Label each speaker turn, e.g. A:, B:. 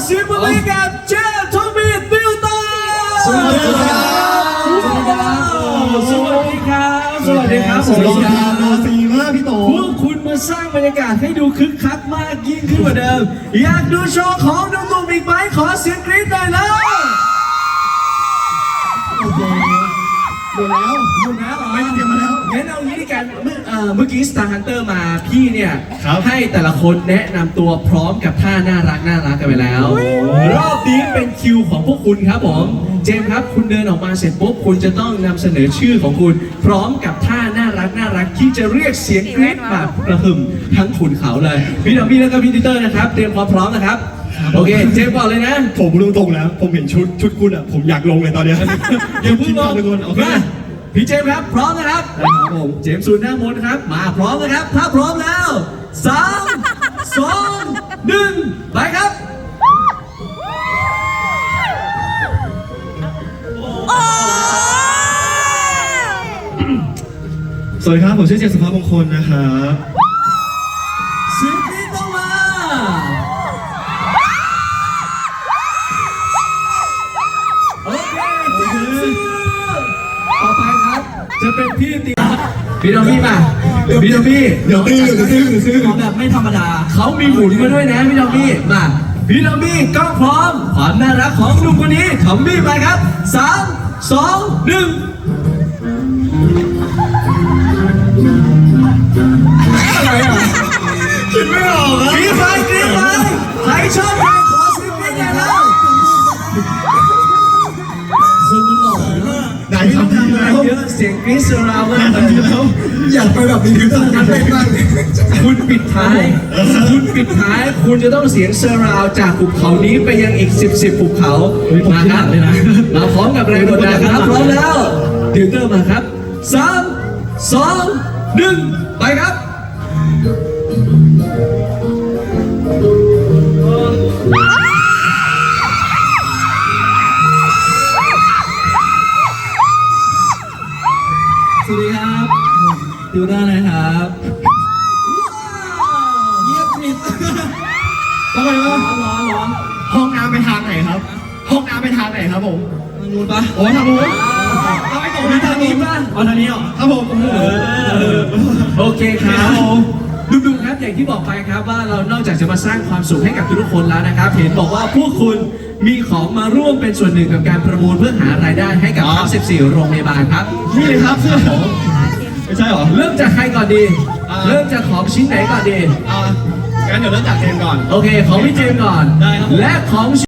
A: เสียงปรบมือให้กับเจมส์ทอมมี่ติวเตอร์สวัสดีครับสวัสดีครับสวัสดีครับสวัสดีครับ
B: รอสีมากพี่โต
A: พวกคุณมาสร้างบรรยากาศให้ดูคึกคักมากยิ่งขึ้นกว่าเดิมอยากดูโชว์ของหนุ่มๆอีกไหมขอเสียงกรี๊ดหน่อยแล้ว
B: โอเคหมดแล้วไม่เตรียมมาแล้ว
A: งั้นเอางี้ดีกันเมื่อกี้ Star Hunter มาพี่เนี่ย
B: ครับ
A: ให้แต่ละคนแนะนำตัวพร้อมกับท่าน่ารักกันไปแล้วรอบนี้เป็นคิวของพวกคุณครับผมเจมส์ครับคุณเดินออกมาเสร็จปุ๊บคุณจะต้องนำเสนอชื่อของคุณพร้อมกับท่าน่ารักที่จะเรียกเสียงกรี๊ดแบบกระหึ่มทั้งขุนเขาเลยพี่ดอมมี่แล้วก็พี่ติเตอร์นะครับเตรียมความพร้อมนะครับโอเคเจมส์ก่อนเลยนะ
B: ผมรู้ตรงแล้วผมเห็นชุดคุณอ่ะผมอยากลงเลยตอนเนี้ย
A: เดี๋ยวพึ่งลง
B: ทุกคนโอเค
A: พี่เจมส์ครับพร้อมนะครับครับผมเจมส์ซูนหน้ามนครับมาพร้อมนะครับถ้าพร้อมแล้ว3 2 1ไปครับ
B: สวัสดีครับผมชื่อเจมส์สุภาพมงคลนะครับ
A: เสียงกรี๊ดต้องมาโอเคเจมส์ต่อไปครับจะเป็นพี่ตีพี่ดอมมี่มาพี่ดอมมี่
B: เดี๋ยวซื้อ
A: ของแบบไม่ธรรมดาเขามีหมุนมาด้วยนะพี่ดอมมี่มาพี่ดอมมี่ก็พร้อมความน่ารักของหนุ่มคนนี้ทอมมี่ไปครับ3 2 1อะไรอ่ะ
B: คิดไม่ออก
A: กรี๊ดไปใครชอบใครขอเสียงกรี๊ดหน่อยแล้วคนมันหล่อ
B: ไหนทำดีแล้ว
A: เยอะเสียงกรี๊ดเซอร์ราวมากเลย
B: อยากไปแบบนี้คือต้องการไปบ้าง
A: คุณปิดท้ายคุณจะต้องเสียงเซอร์ราวจากภูเขานี้ไปยังอีก10ภูเขามาครับมาพร้อมกับแรงกดดันครับพร้อมแล้วติวเตอร์มาครับ3 2 1ไปครับ
C: สวัสดีครับติวเตอร์นะครับ
A: เงียบกริบ
B: ทำไมวะ
C: ร้อน
B: ห้องน้ำไปทางไหนครับห้องน้ำไปทางไหนครับผม
C: ทางนู้นปะ
B: โอ้ทางนู้นเอาไปตรงนี้ทางนี้ป่ะ
C: เอาทางนี้เหรอ
B: ครับผม
A: โอเคครับดุๆครับอย่างที่บอกไปครับว่าเรานอกจากจะมาสร้างความสุขให้กับทุกคนแล้วนะครับเห็นบอกว่าพวกคุณมีของมาร่วมเป็นส่วนหนึ่งกับการประมูลเพื่อหารายได้ให้กับทั้ง14โรงพยาบาลครับ
B: นี่เลยครับเสื้อผมไม่ใช่หรอ
A: เริ่มจากใครก่อนดีเริ่มจากของชิ้นไหนก่อนดี
B: งั้นเดี๋ยวเริ่มจากเจมก่อน
A: โอเคของพี่เจมก่อน
B: ได้ครับ
A: และของ